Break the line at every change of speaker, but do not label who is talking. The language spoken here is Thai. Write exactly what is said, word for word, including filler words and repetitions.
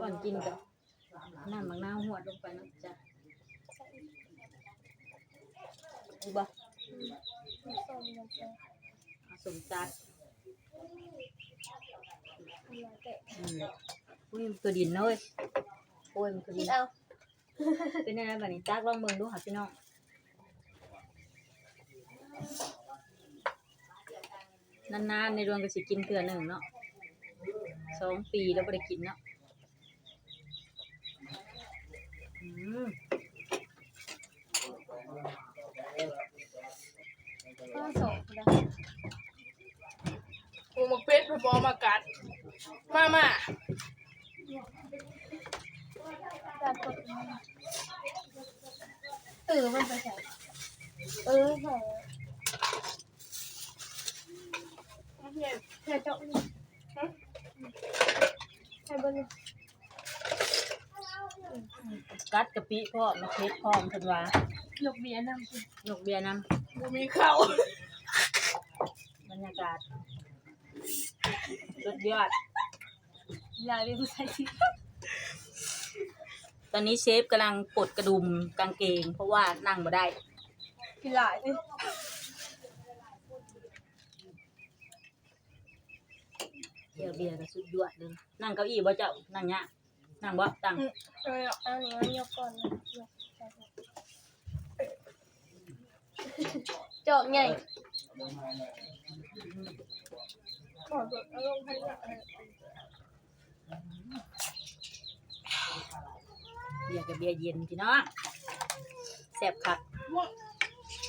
ก่อนกินกับน้ำมะนาวหวดลงไปนะจ๊ะดูบ่สมจัดอืมอุ้ยมันคือดินเลยโอ้ยมันคือดินเอาเป็นยังไงบ้านี้จักลองเบิ่งดูค่ะพี่น้องนานๆในดวงก็สิกินเทื่อหนึ่งเนาะสองปีแล้วบ่ได้กินเนาะอืม
ก็สองนะโอ้มาเป็ดพอบอมากัดมามาแบบกดเออมันไปใส่เออใส่เฮียเฮียเจ้านี่ฮะใส่บน
กัดกะปิพร้อมมะเขือพร้อมเพิ่นว่า
หยกเบียร์นำสิ
ยกเบียร์นำ
บ่มีข้าว
บรรยากาศสุดยอด
ยายเรียกใส่สิ
ตอนนี้เชฟกำลังปลดกระดุมกางเกงเพราะว่านั่งบ่ได้
กินหลายสิ
เบียร์เบียร์ก็สุดยอดเลยนั่งเก้าอี้บ่เจ้านั่งยะนั่งบ่ตั้ง
เออเอาหนูยกก่อนนะยกใส่จอกใหญ่ขอจดอารมณ์ให้หน่อย
เบียร์กับเบียร์เย็นพี่น้องแซ่บคัก
ว่า